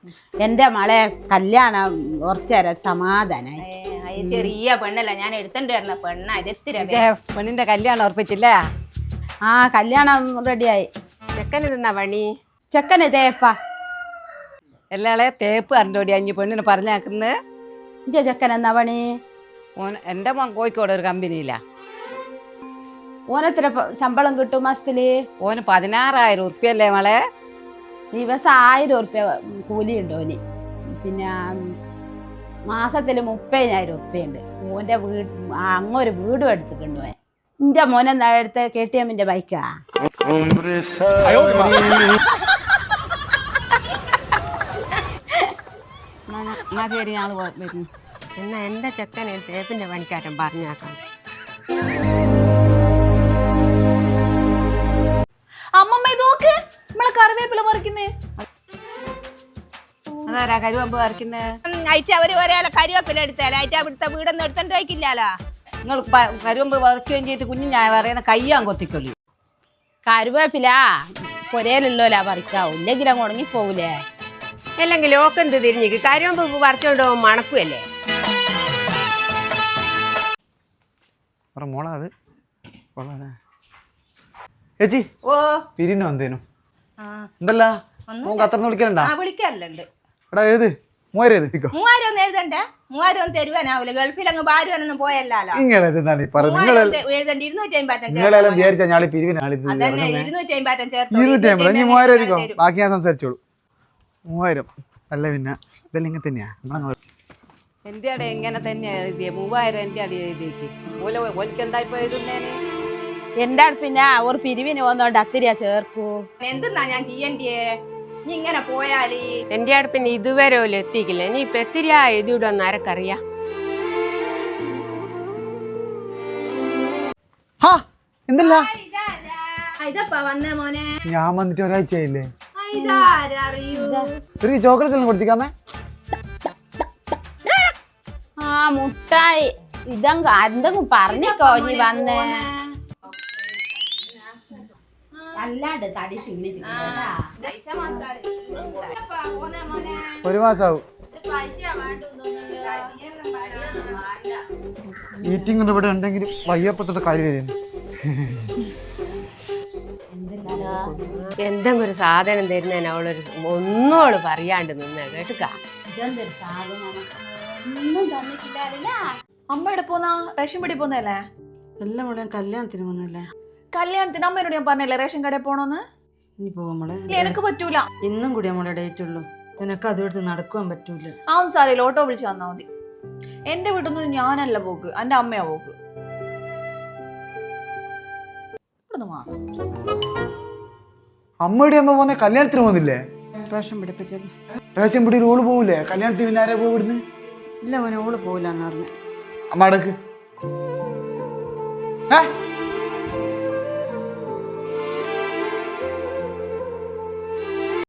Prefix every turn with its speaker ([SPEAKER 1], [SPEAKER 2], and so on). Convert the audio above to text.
[SPEAKER 1] എന്റെ മളെ കല്യാണം കുറച്ചേരം സമാധാനായി.
[SPEAKER 2] ചെറിയ പെണ്ണല്ല, ഞാൻ എടുത്തോണ്ടിരുന്ന പെണ്ണ.
[SPEAKER 3] പെണ്ണിന്റെ കല്യാണം ഉറപ്പിച്ചില്ലേ?
[SPEAKER 1] ആ കല്യാണം റെഡിയായി.
[SPEAKER 3] ചെക്കന് തിന്നാ പണി?
[SPEAKER 1] ചെക്കന് തേപ്പ
[SPEAKER 3] എല്ലാളെ തേപ്പ് അറിഞ്ഞോടി അഞ്ഞ് പെണ്ണിനെ പറഞ്ഞാക്കുന്നത്.
[SPEAKER 1] ഇന്റെ ചെക്കൻ എന്നാ പണി?
[SPEAKER 3] ഓൻ എൻ്റെ മോൻ കോഴിക്കോട് ഒരു കമ്പനിയിലാ.
[SPEAKER 1] ഓനെത്ര ശമ്പളം കിട്ടും മാസത്തില്?
[SPEAKER 3] ഓന് 16,000 ഉറുപ്പ്യല്ലേ മോളെ?
[SPEAKER 1] ദിവസം 1000 ഉറുപ്പ്യ കൂലി ഉണ്ട് ഓന്. പിന്നെ മാസത്തില് 30,000 ഉറുപ്പ്യുണ്ട്. ഓന്റെ അങ്ങൊരു വീടും എടുത്തിട്ടുണ്ട് ഓൻ. എന്റെ മോനെന്താ എടുത്ത് KTM ബൈക്കാ.
[SPEAKER 3] ശരി, ഞാൾ വരുന്നു.
[SPEAKER 4] എന്നാ എൻ്റെ ചെക്കനെ തേപ്പിൻ്റെ പണിക്കാരൻ പറഞ്ഞാക്കാം.
[SPEAKER 2] അമ്മമ്മ നോക്ക്, നമ്മളെ കറിവേപ്പില പറിക്കുന്നേ.
[SPEAKER 3] അതാരാ കരുവമ്പ് പറിക്കുന്നത്?
[SPEAKER 2] അവര് ഒരേ കറിവേപ്പില എടുത്താലോ, ഇവിടുത്തെ വീടൊന്നും എടുത്തോണ്ട് വയ്ക്കില്ലാലോ.
[SPEAKER 3] നിങ്ങൾ കരുവമ്പ് പറിക്കുകയും ചെയ്ത് കുഞ്ഞിഞ്ഞായ പറയുന്ന കയ്യാൻ കൊത്തിക്കൊല്ലു.
[SPEAKER 1] കരുവേപ്പില പൊരയിലുള്ളോലാ പറിക്കാവൂ, ഇല്ലെങ്കിൽ അങ്ങ് ഉണങ്ങിപ്പോകൂലേ.
[SPEAKER 4] അല്ലെങ്കിൽ ഓക്കെന്ത് തിരിഞ്ഞിക്ക് കരിമ്പ് പറിച്ചോണ്ട് പോകും മണക്കുമല്ലേ.
[SPEAKER 5] മോളാ അത് ചേച്ചി പിരിനോ എന്തേനും ഉണ്ടല്ല കത്തർന്ന് വിളിക്കലുണ്ടാ?
[SPEAKER 2] വിളിക്കാറില്ലുണ്ട്.
[SPEAKER 5] എടാ എഴുത് 3000 എഴുതിക്കോ.
[SPEAKER 2] 3000 ഒന്നും എഴുതണ്ടേ? 3000 ഒന്നും തരുവാനാവൂല. ഗൾഫിൽ അങ്ങ് ഭാര്യൊന്നും പോയല്ലോ.
[SPEAKER 5] ഇങ്ങനെ
[SPEAKER 2] എഴുതണ്ട. 250
[SPEAKER 5] നിങ്ങളെല്ലാം വിചാരിച്ചാ ഞാളി പിരിവിന്
[SPEAKER 2] 250 ചേർത്ത്
[SPEAKER 5] 250 ഇനി 3000 എഴുതിക്കോ. ബാക്കി ഞാൻ സംസാരിച്ചോളൂ. 3000 അല്ല പിന്നെ ഇതെല്ലാം ഇങ്ങനെ തന്നെയാ.
[SPEAKER 3] എൻ്റെ അടെ എങ്ങനെ തന്നെയാ എഴുതിയ 3000 എൻ്റെ അടി എഴുതിയേക്ക്. ഓൽക്ക് എന്താ ഇപ്പൊ എഴുതുന്നേന്?
[SPEAKER 1] എന്റെ പിന്നെ ഒരു പിരിവിന് വന്നോണ്ട് അത്തിരിയാ ചേർക്കൂ.
[SPEAKER 2] എന്തെന്നാ ഞാൻ ചെയ്യണ്ടേ? നീ ഇങ്ങനെ പോയാല്
[SPEAKER 4] എൻ്റെ അടുപ്പിന് ഇതുവരെ ഓല് എത്തിക്കില്ല. നീ ഇപ്പൊ എത്തിരിയാ എഴുതിവിടുമെന്ന് ആരക്കറിയാ?
[SPEAKER 5] എന്തല്ല
[SPEAKER 2] ഇതപ്പാ വന്നേ മോനെ.
[SPEAKER 5] ഞാൻ വന്നിട്ട് ഒരാഴ്ചയായില്ലേ.
[SPEAKER 2] ഇതാരറിയൂ?
[SPEAKER 5] ഒരു ചോക്ലേറ്റ് എല്ലാം കൊടുത്തിക്കാമേ.
[SPEAKER 1] ആ മുട്ടായി എന്തെങ്കിലും പറഞ്ഞിക്കോ നീ വന്നേ. അല്ലാണ്ട് തടി ക്ഷീണിച്ചു.
[SPEAKER 5] ഒരു മാസാവും ഈറ്റിംഗ് കൊണ്ട് ഇവിടെ ഉണ്ടെങ്കിൽ വയ്യപ്പെട്ടത് കാര്യം വരുന്നു.
[SPEAKER 4] എന്തെങ്കിലും ഒരു സാധനം തരുന്നതിന് അവളൊരു ഒന്നോള് പറയാണ്ട് നിന്ന് കേട്ടുക.
[SPEAKER 1] ഇതെന്തൊരു സാധനം ഒന്നും തന്നിട്ടില്ല.
[SPEAKER 6] അമ്മ എവിടെ പോന്നാ? റേഷൻ പടി പോന്നല്ലേ?
[SPEAKER 7] എല്ലാം കൂടെ കല്യാണത്തിന് വന്നല്ലേ.
[SPEAKER 6] കല്യാണത്തിന് അമ്മയോട് ഞാൻ പറഞ്ഞല്ലേ റേഷൻ കടയിൽ പോണോന്ന്.
[SPEAKER 7] ഇനി പോവാ
[SPEAKER 6] എനിക്ക് പറ്റൂല.
[SPEAKER 7] ഇന്നും കൂടി നമ്മളെ ഡേറ്റ് ഉള്ളൂ. നിനക്ക് അതുകൊടുത്ത് നടക്കുവാൻ പറ്റൂല.
[SPEAKER 6] ആ ഒന്നും സാറിയില്ല, ഓട്ടോ വിളിച്ച് വന്നാ മതി. എന്റെ വീട്ടിൽ നിന്ന് ഞാനല്ല പോക്ക്, എന്റെ അമ്മയാ പോക്ക്.
[SPEAKER 5] അമ്മയുടെ അമ്മ പോന്നെ കല്യാണത്തിന് പോകുന്നില്ലേ?
[SPEAKER 7] റേഷൻ പിടിപ്പിക്കല്.
[SPEAKER 5] റേഷൻ പിടി ഓള് പോകൂലേ കല്യാണത്തിന്? പിന്നെ ആരാ പോയി ഇവിടുന്ന്?
[SPEAKER 7] ഇല്ല മോനെ ഓള് പോവില്ലെന്ന് പറഞ്ഞു.
[SPEAKER 5] അമ്മ അടക്ക്.